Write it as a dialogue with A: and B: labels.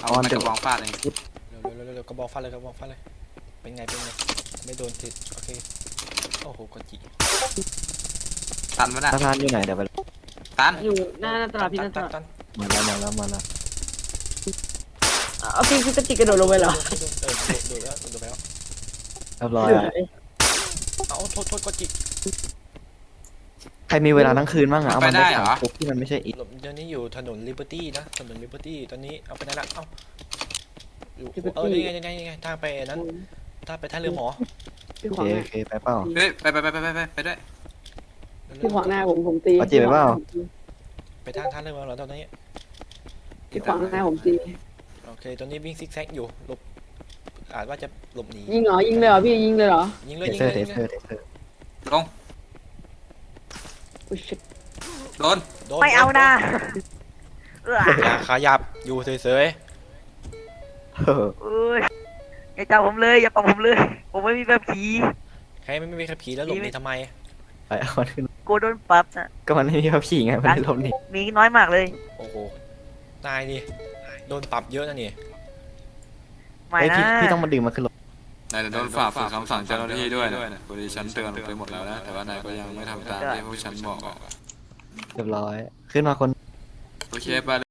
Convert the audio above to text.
A: เอาไม้กระบองฟาดเอง
B: เร็วกระบอกฟันเลยเป็นไงไม่โดนติดโอเคโอ้โหกดจี
A: ตันมาได้
C: สะพานอยู่ไหนเดี๋ยวไป
A: ตัน
D: อยู่หน้าตลาดพี่หน้าตลาด
B: ตัน
C: มาแล้ว
D: เอาพี่กระจิกกระโดดลงไปเหรอ
B: โดดแล้ว
C: เรียบร้อยอะ
B: เอาโทษกดจี
C: ใครมีเวลาทั้งคืนบ้างอะเอามันไปขังคุกที่มันไม่ใช่อีก
B: หลบเดี๋ยวนี้อยู่ถนนลิเบอร์ตี้นะถนนลิเบอร์ตี้ตอนนี้เอาไปไหนละเอ้าอยู่ยังไงทางไปนั้นถ้าไปท่าเรือหมอ
D: พี่
C: โอ
D: ขวาง
C: เค
D: หน้า
C: โอเคไปเปล่า
A: เฮ้ยไปด้วย
D: พี่ขวางหน้าผมตี
C: เอาจีบไปเปล่า
B: ไปทางท่าเรือหมอแล้วตอนนี้
D: พี่ขวางหน้าผมตี
B: โอเคตอนนี้วิ่งซิกแซกอยู่หลบอาจว่าจะหลบหนี
D: ยิงเหรอยิงเลยเหรอพี่ยิงเลยเหรอ
B: ยิง
C: เท
B: เลย
C: เซอร์เทเซอร์
A: ลง
D: อุ้ยชิบ
A: โดน
E: ไม่เอานะเออ
B: อย่าขยับอยู่เฉย
E: เอ้ยอย่าจับผมเลยอย่าปรับผมเลย ผมไม่มีแบบผี
B: ๆใครไม่มีขับขี่แล้วหลบหนีทำไม
C: ไปเอามันขึ้น
E: กลัวโดนปรับนะ
C: ก็มันไม่มีพระผีไงมันเลยล้มหนี
E: มีน้อยมากเลย
B: โอ้โหนายนี่โดนปรับเยอะนะนี่
E: ไม่
C: ไอ้
E: นะ
C: พี่ต้องมาดึงมันขึ้นรถ
A: นายจะโดนฝ่าฝืนคำสั่งเจ้าหน้าที่ด้วยนะบริฉันเตือนไปหมดแล้วนะแต่ว่านายก็ยังไม่ทำตามที่พวกฉันบอก
C: เรียบร้อยขึ้นมาคน
A: โอเคไป